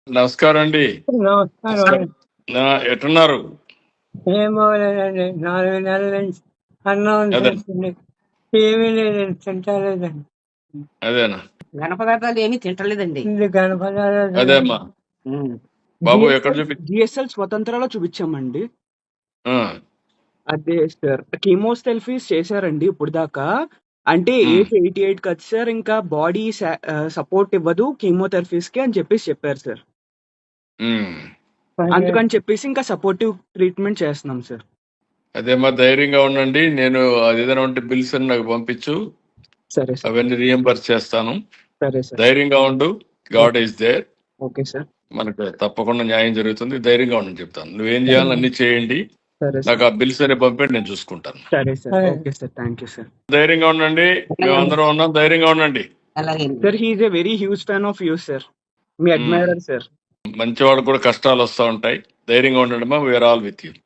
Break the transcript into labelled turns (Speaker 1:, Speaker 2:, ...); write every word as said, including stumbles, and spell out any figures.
Speaker 1: నమస్కారం అండి.
Speaker 2: నమస్కారం.
Speaker 1: నా ఎట్టున్నారు?
Speaker 2: ఏం బాగోలేదండి. నాలుగు నెలల నుంచి అన్నం
Speaker 1: అదే
Speaker 2: తింటుంది. ఏమీ లేదండి, తింటలేదండి.
Speaker 1: అదేనా
Speaker 3: ఘన పదార్థాలు ఏమీ తింటలేదండి.
Speaker 2: ఇది గణపదాలు
Speaker 1: అదే అమ్మా
Speaker 3: ఉమ్.
Speaker 1: బాబు ఎక్కడ
Speaker 4: జిఎస్ఎల్
Speaker 1: చూపి
Speaker 4: జిఎస్ఎల్ స్వతంత్రాలో చూపించామండి.
Speaker 1: ఆ,
Speaker 4: అదే సార్ కీమోథెరపీస్ చేశారండి ఇప్పుడు దాకా. అంటే
Speaker 1: ఉమ్,
Speaker 4: ఏజ్ ఎయిటీ ఎయిట్ కదా సార్, ఇంకా బాడీ సపోర్ట్ ఇవ్వదు కీమోథెరపీస్ కి అని చెప్పేసి చెప్పారు సార్.
Speaker 1: ఉమ్.
Speaker 4: అందుకని చెప్పేసి ఇంకా సపోర్టివ్ ట్రీట్మెంట్ చేస్తున్నాం సార్.
Speaker 1: అదేమ్మా ధైర్యంగా ఉండండి. నేను అది ఏదైనా ఉంటే బిల్స్ అని నాకు పంపించు,
Speaker 4: సరే సార్.
Speaker 1: అవన్నీ రియంబర్స్ చేస్తాను.
Speaker 4: సరే సార్.
Speaker 1: ధైర్యంగా ఉండు. God is there.
Speaker 4: Okay sir.
Speaker 1: మనకు తప్పకుండా న్యాయం జరుగుతుంది. ధైర్యంగా ఉండని చెప్తాను. నువ్వేం చేయాలని అన్ని చేయండి.
Speaker 4: సరే
Speaker 1: నాకు
Speaker 4: సార్.
Speaker 1: ఆ బిల్స్ అనే పంపండి, నేను చూసుకుంటాను.
Speaker 4: సరే సార్.
Speaker 2: సరే.
Speaker 4: Okay sir. Thank you sir.
Speaker 1: ధైర్యంగా ఉండండి. మేము అందరం ఉన్నాం. ధైర్యంగా ఉండండి.
Speaker 3: అలాగే
Speaker 4: sir he's a very huge fan of you sir. మీ అడ్మైరర్ సార్.
Speaker 1: మంచి వాళ్ళకు కూడా కష్టాలు వస్తూ ఉంటాయి. ధైర్యంగా ఉండండి. మా వీఆర్ ఆల్ విత్ యూ.